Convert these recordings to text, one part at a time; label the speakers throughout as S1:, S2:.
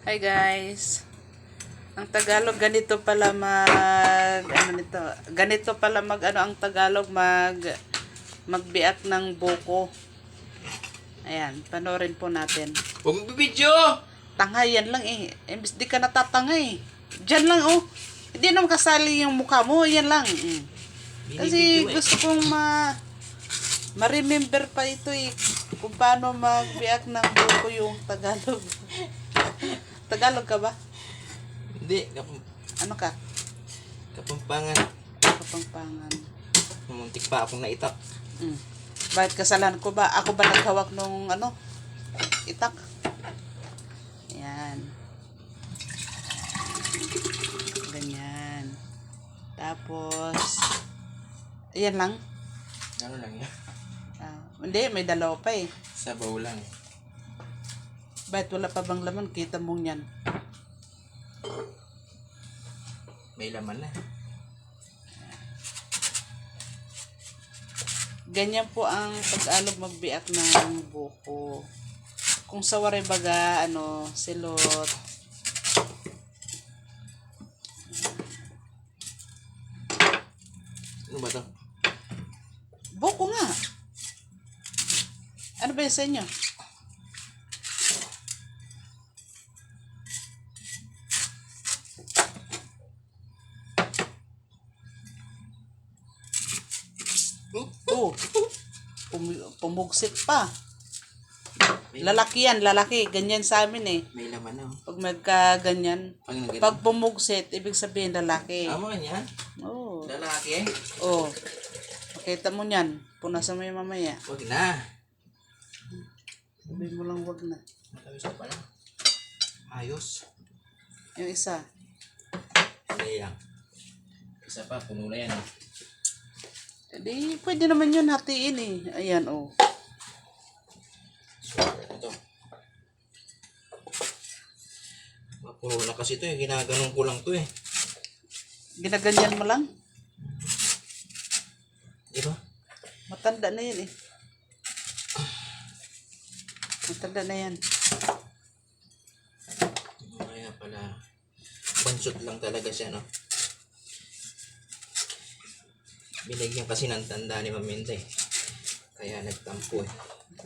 S1: Hi guys. Ang Tagalog ganito pala ganito pala ang Tagalog magbiak ng buko. Ayan, panoorin po natin.
S2: Huwag mag-video!
S1: Tangay yan lang eh. Imbis di ka natatangay. Diyan lang oh. Hindi naman kasali yung mukha mo, yan lang. Kasi gusto kong ma-remember pa ito eh. Kung paano magbiak ng buko yung Tagalog. Tagalog ka ba?
S2: Hindi.
S1: Ano ka?
S2: Kapampangan.
S1: Kapampangan.
S2: Muntik pa akong naitak.
S1: Bakit kasalanan ko ba? Ako ba naghawak nung itak? Ayan. Ganyan. Tapos, ayan lang.
S2: Ano lang yan?
S1: Hindi, may dalawa pa eh.
S2: Sabaw lang.
S1: Bakit wala pa bang laman? Kita mo yan.
S2: May laman na.
S1: Ganyan po ang pag-alog magbiak ng buko. Kung sa waray baga, silot.
S2: Ano ba to?
S1: Buko nga. Ano ba yun sa inyo? Oh, pumugsit pa. Lalaki yan, lalaki. Ganyan sa amin eh.
S2: May laman na.
S1: Pag magkaganyan.
S2: Pag
S1: Pag pumugsit, ibig sabihin lalaki.
S2: Tama yan.
S1: Oh.
S2: Lalaki.
S1: Oh. Makita mo yan. Punasan mo yung mamaya.
S2: Huwag na.
S1: Sabihin mo lang wag na.
S2: Matawis ka pala. Ayos.
S1: Yung isa.
S2: Hindi lang. Isa pa, puno na yan.
S1: Di, pwede naman yun hatiin eh. Ayan oh.
S2: Ito. Mapuno na kasi ito eh. Ginaganon ko lang ito eh.
S1: Ginaganyan mo lang.
S2: Di ba?
S1: Matanda na yan eh. Matanda na yan.
S2: Kaya pala. Bansot lang talaga siya, no? Binigyan kasi ng tanda ni Maminta eh. Kaya nagtampo eh.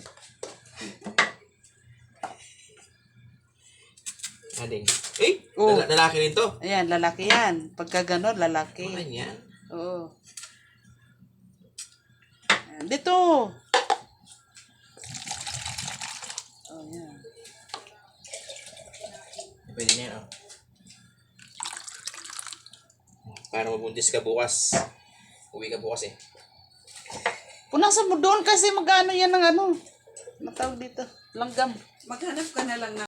S2: Ading. Eh!
S1: Oh.
S2: Lalaki rin to.
S1: Ayan, lalaki yan. Pagka ganon, lalaki.
S2: Ano yan?
S1: Oo. Ayan, dito. Oh, yan.
S2: Pwede na yan, oh. Para mabuntis ka bukas. Uwi ka bukas eh.
S1: Punasan mo doon kasi magano yan ng matawag dito. Langgam.
S3: Maghanap ka na lang ng